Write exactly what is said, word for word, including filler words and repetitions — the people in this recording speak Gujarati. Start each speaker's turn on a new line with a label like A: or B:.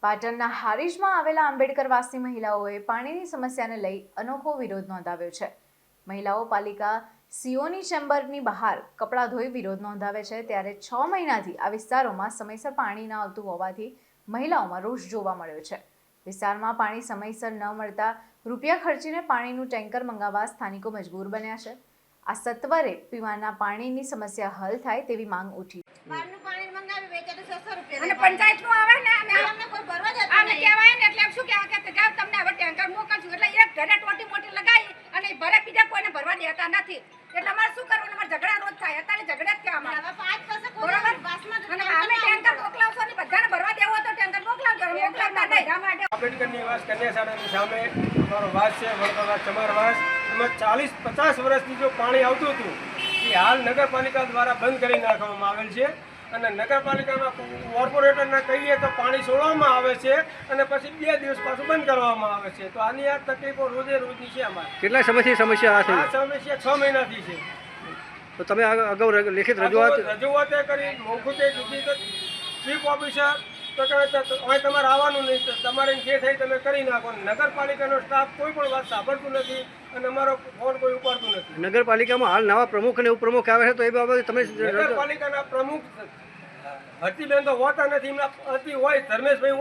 A: પાટણના હારીજમાં આવેલા આંબેડકરવાસી મહિલાઓએ પાણીની સમસ્યાને લઈ અનોખો વિરોધ નોંધાવ્યો છે। મહિલાઓ પાલિકા સીઓની ચેમ્બરની બહાર કપડાં ધોઈ વિરોધ નોંધાવે છે, ત્યારે છ મહિનાથી આ વિસ્તારોમાં સમયસર પાણી ન આવતું હોવાથી મહિલાઓમાં રોષ જોવા મળ્યો છે। વિસ્તારમાં પાણી સમયસર ન મળતા રૂપિયા ખર્ચીને પાણીનું ટેન્કર મંગાવવા સ્થાનિકો મજબૂર બન્યા છે। આ સત્વરે પીવાના પાણીની સમસ્યા હલ થાય તેવી માંગ ઉઠી।
B: અને પંચાયતનું આવે ને અમે અમને કોઈ ભરવા જતા અમે કહેવાય ને એટલે શું કે આ કે જાવ તમને હવે ટેન્કર મોકલશું એટલે એક ઘરે ટોટી મોટી લગાવી અને ભરે બીજા કોઈને ભરવા દેતા નથી। એટલે અમારે શું કરવાનું? અમારે ઝઘડા રોજ થાય, અત્યારે ઝઘડા જ થયા અમારે પાંચ પાસે બરોબર બાસમાં અને અમે ટેન્કર મોકલાવશો ને બધાને ભરવા દેવો તો ટેન્કર મોકલાવજો, મોકલાવતા નહીં રામ માટે
C: આંબેડકર નિવાસ કન્યાશાળાની સામે અમારો વાસ છે, વડોદરા ચમાર વાસ। એમાં ચાલીસ પચાસ વર્ષથી જો પાણી આવતું હતું એ હાલ નગરપાલિકા દ્વારા બંધ કરી નાખવામાં આવેલ છે અને નગરપાલિકાના કોર્પોરેટરને કહીએ તો પાણી છોડવામાં આવે છે અને પછી બે દિવસ પાછું બંધ કરવામાં આવે છે। તો આની આ તકલીફો રોજે રોજની છે અમારે।
D: કેટલા સમયથી સમસ્યા આ
C: આ સમસ્યા છ મહિનાથી છે।
D: તો તમે અગાઉ લેખિત રજૂઆત
C: રજૂઆતે કરી, મોખુતે કીધી તો ચીફ ઓફિસર તો હવે તમારે આવવાનું નહીં, તો તમારે જે થાય તમે કરી નાખો। નગરપાલિકાનો સ્ટાફ કોઈ પણ વાત સાંભળતું નથી અને અમારો ફોન કોઈ ઉપાડતું નથી।
D: નગરપાલિકામાં હાલ નવા પ્રમુખ અને ઉપપ્રમુખ આવે છે, તો એ બાબતે તમે
C: નગરપાલિકાના પ્રમુખ હરતીબેન તો હોતા નથી, એમના હરતી હોય ધર્મેશભાઈ